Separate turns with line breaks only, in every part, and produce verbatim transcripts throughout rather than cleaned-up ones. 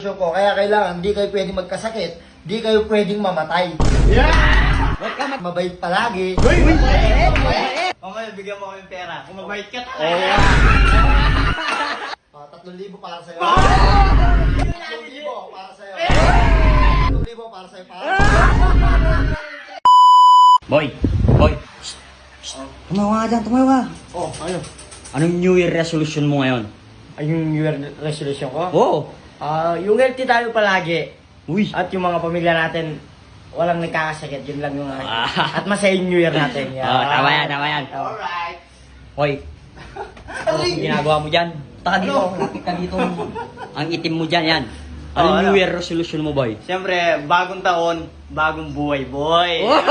ko, kaya kailangan di kayo pwedeng magkasakit, di kayo pwedeng mamatay.
Yeah!
Huwag ka mag- mabait palagi.
Uy! Uy!
O ngayon, bigyan mo kami pera. Kung mabait ka
Oh,
talaga.
yeah.
Ah, tatlong libo para sa'yo. Tatlong libo para sa'yo. Tatlong libo para sa'yo. Para.
Boy! Boy! Shh! Shh! Tumawa ka dyan, tumawa ka.
Oh, ano?
Anong New Year resolution mo ngayon?
Ay, yung New Year resolution ko?
Oo!
Ah, yung healthy tayo palagi.
Uy!
At yung mga pamilya natin, walang nagkakasakit. Yun lang yung...
Ah.
At masaya yung New Year natin. Yeah.
Oh, tama yan, tama yan.
Alright.
Hoy! Ano ang ginagawa mo dyan? Taka dito, lapit ka dito. Ang itim mo dyan, yan. Anong
Oh, ano?
New Year resolution mo, boy?
Siyempre, bagong taon, bagong buhay, boy.
Oh!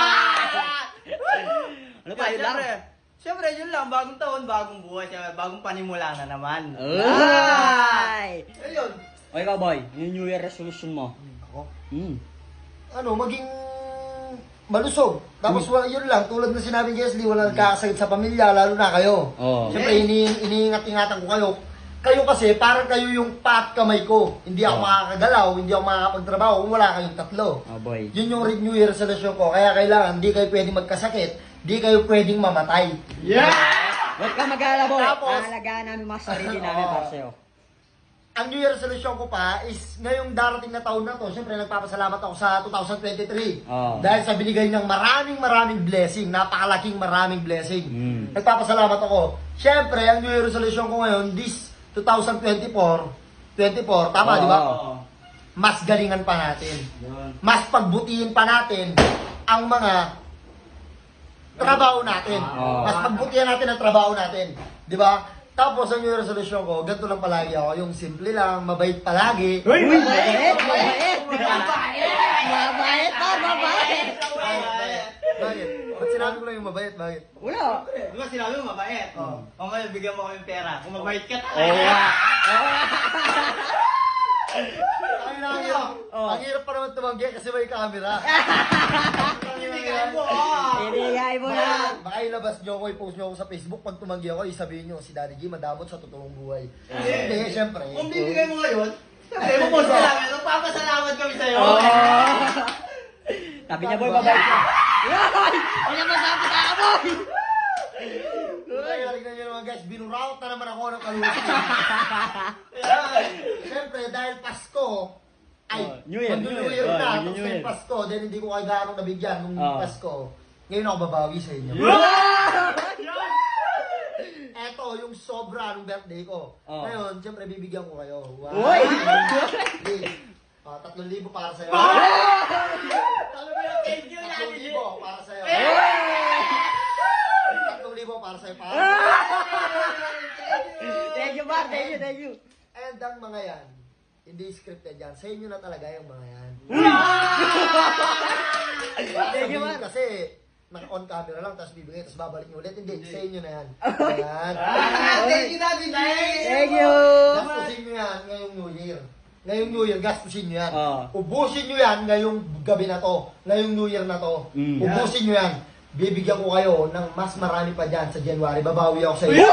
Ano pa, yun lang?
Siyempre, siyempre, yun lang. Bagong taon, bagong buhay. Siyempre, bagong panimula na naman.
Ay!
Ayun.
O ikaw, boy, yung New Year resolution mo?
Ako?
Hmm.
Ano, maging malusog. Tapos wala, yun lang, tulad na sinabi ni Jesly, wala nagkakasakit sa pamilya, lalo na kayo.
Oo.
Siyempre, ini iniingat-ingatan ko kayo. Kayo kasi, parang kayo yung pat kamay ko. Hindi ako
Oo.
makakagalaw, hindi ako makakapagtrabaho kung wala kayong tatlo.
Oh, boy.
Yun yung New Year resolution ko. Kaya kailangan, di kayo pwedeng magkasakit, di kayo pwedeng mamatay.
Yeah!
Huwag ka mag-alala, boy.
Tapos-
Aalagaan namin mga sarili namin
Oo.
para sa'yo.
Ang New Year resolution ko pa is ngayong darating na taon na to, siyempre nagpapasalamat ako sa two thousand twenty-three.
Oo.
Dahil sa binigay ng maraming maraming blessing, napakalaking maraming blessing.
Mm.
Nagpapasalamat ako. Siyempre, ang New Year resolution ko ngayon, this twenty twenty-four, twenty-four, tama,
Oo.
di ba?
Oo.
Mas galingan pa natin.
Yun.
Mas pagbutihin pa natin ang mga trabaho natin.
Oo.
Mas pagbutihan natin ang trabaho natin. Di ba? Tapos ang New Year resolution ko, ganito lang palagi ako. Yung simple lang, mabait palagi.
Uy!
Uy, mabait, mabait. Mabait pa, mabait.
Bakit? Ba't sinabi ko lang yung mabait? Bakit?
Wala.
Di ba sinabi mo mabait?
Oo.
O ngayon, bigyan mo kami pera. Kung mabait ka
Oo
talaga.
nga.
Ang ang hirap.
Oh.
Ang hirap pa naman tumanggi kasi may camera.
Ibigay mo. ah.
Ibigay mo na.
Baka, baka ilabas nyo ako, i-post nyo ako sa Facebook. Pag tumanggi ako, isabihin nyo, si Daddy G madamot sa totoong buhay. Hindi, syempre.
Kung bibigay mo ngayon, siyempre, mapost ka namin. Magpapasalamat kami sa'yo.
Oo. Sabi niya, boy, mabait ka. Yoy! Ano naman sabi ka, boy?
Kaya tignan nyo naman guys, binuraut na naman ako ng kalusin. Siyempre, dahil Pasko, ay,
Oh, New Year,
mag-New
New
Year
Year.
na,
Oh,
tapos
New Year.
ngayong Pasko, dahil hindi ko kayo gano'ng nabigyan nung
Oh.
Pasko. Ngayon ako babawi sa inyo. Eto, yung sobra nung birthday ko.
Oh.
Ngayon, siyempre, bibigyan ko kayo. Wow.
Uy!
Please. Ah, tatlong libo para sa'yo.
Thank you,
Tatlong
Daddy.
libo para sa'yo. Tatlong libo para sa'yo. Para.
Thank you, Bar. Thank you, thank you.
And ang mga yan, hindi scripted yan. Sa inyo na talaga yung mga yan.
Thank you,
Sabihin
man.
kasi, naka-on camera lang, tapos bibigay, tapos babalik nyo ulit. Hindi, sa inyo na yan. Yan.
Ah, thank you, Daddy.
Thank you.
Gastusin nyo yan ngayong New Year. Ngayong New Year, gastusin nyo yan.
Oo.
Ubusin nyo yan ngayong gabi na to. Ngayong New Year na to.
Mm.
Ubusin nyo yan. Bibigyan ko kayo ng mas marami pa dyan sa January. Babawi ako sa inyo.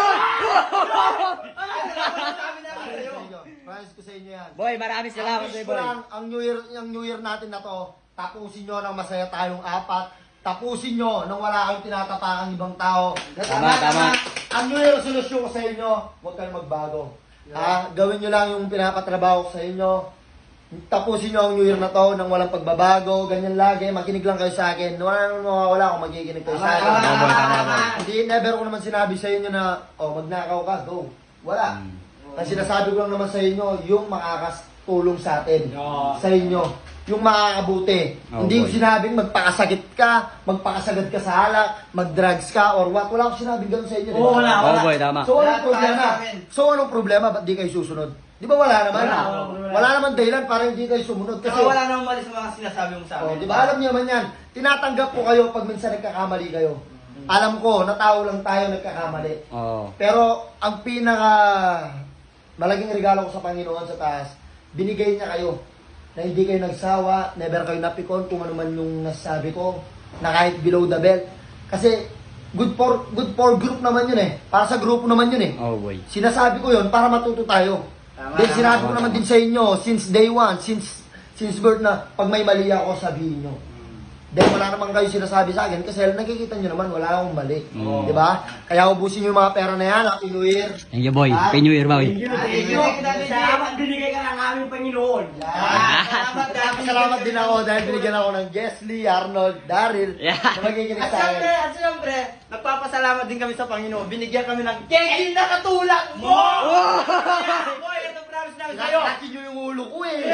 Sabi namin sa'yo.
Promise ko sa inyo yan.
Boy, maraming salamat
Ang
sa'yo,
wish ko
boy.
lang, ang New Year, ang New Year natin na to, tapusin nyo ng masaya tayong apat. Tapusin nyo nang wala kayong tinatapakang ibang tao.
Tama, tama.
Ang New Year resolution ko sa inyo, huwag kayong magbago. Ha? Gawin nyo lang yung pinapatrabaho ko sa inyo. Tapusin nyo ang New Year na to nang walang pagbabago. Ganyan lagi. Makinig lang kayo sa akin. Wala naman mawawala kung magiginig kayo sa akin.
Tama, boy, tama, boy.
Hindi, never ko naman sinabi sa inyo na, oh, magnakaw ka, go. Wala.
Mm.
Ang sinasabi ko lang naman sa inyo, yung makakatulong sa atin.
Oo.
Sa inyo. Yung makakabuti.
Oh,
Hindi ko
boy.
sinabing magpakasakit ka, magpakasagad ka sa alak, mag-drugs ka, or what. Wala akong sinabing gano'n sa inyo. di ba?
Oo, wala.
Oo, boy, tama.
So, anong
Lahat tayo
problema?
sa amin.
So, anong problema? Ba't di kayo susunod? Di ba wala naman?
Wala,
Wala,
wala, wala.
naman dahilan para hindi kayo sumunod. Kasi,
Kasi wala nang mali sa mga sinasabi mo sa
oh,
amin.
di ba alam niyo naman yan, tinatanggap ko kayo pag minsan nagkakamali kayo. Alam ko, na tao lang tayo nagkakamali.
Oo.
Pero ang pinaka malaking regalo ko sa Panginoon sa taas, binigay niya kayo na hindi kayo nagsawa, never kayo napikon kung ano man yung nasabi ko, na kahit below the belt. Kasi good for good for group naman yun eh. Para sa grupo naman yun eh.
Oh, boy.
Sinasabi ko yun para matuto tayo.
Tama,
Then
tama,
sinabi ko
tama,
naman
tama.
din sa inyo, since day one, since since birth na, pag may mali ako, sabihin nyo. Dahil wala naman kayo sinasabi sa akin kasi nakikita nyo naman, wala akong mali.
Mm.
Di ba? Kaya ubusin nyo yung mga pera na yan, Happy New Year.
Thank you, boy.
Ah,
Happy New Year, boy.
Thank you, thank you.
Salamat binigay ka ng aming Panginoon.
Ah,
Salamat dahil
Salamat din ako dahil binigyan ako ng Jesly, Arnold, Daryl,
Yeah.
na magiginig
At
sa
siyempre,
akin.
at siyempre, nagpapasalamat din kami sa Panginoon. Binigyan kami ng kegin na katulad mo! Boy, ito promise namin sa'yo.
Pinakakin nyo yung ulo ko eh.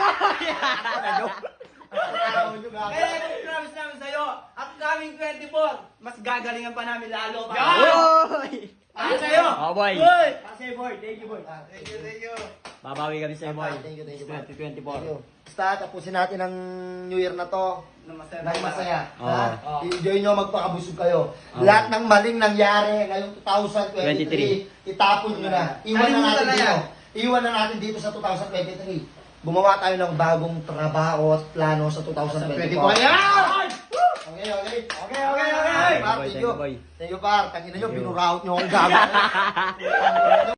Araw nyo nga.
Kaya ito promise namin sa'yo. At coming twenty-four, mas gagalingan pa namin lalo.
Boy!
Para sa'yo.
Oh, boy.
Boy! Para sa'yo, boy. Thank you, boy.
Ah,
Thank you, thank you.
Babawi kami sa'yo, boy.
Thank you, thank you.
twenty twenty-four.
Thank you. Basta, tapusin natin ang New Year na to.
Na masaya.
Nang masaya.
Oo.
Ha?
Oo.
I-enjoy nyo, magpakabusog kayo.
Oo.
Lahat ng maling nangyari ngayong twenty twenty-three, itapon nyo na. Iwan na
Kalimutan
natin
na
dito.
yan.
Iwan na natin dito sa twenty twenty-three. Gumawa tayo ng bagong trabaho at plano sa twenty twenty-four.
Yan!
Okay, okay.
Okay, okay, okay.
Par,
Boy,
thank
thank
you.
you, boy.
Thank you, par. Tangina nyo,
Thank you.
binuraut nyo akong gago.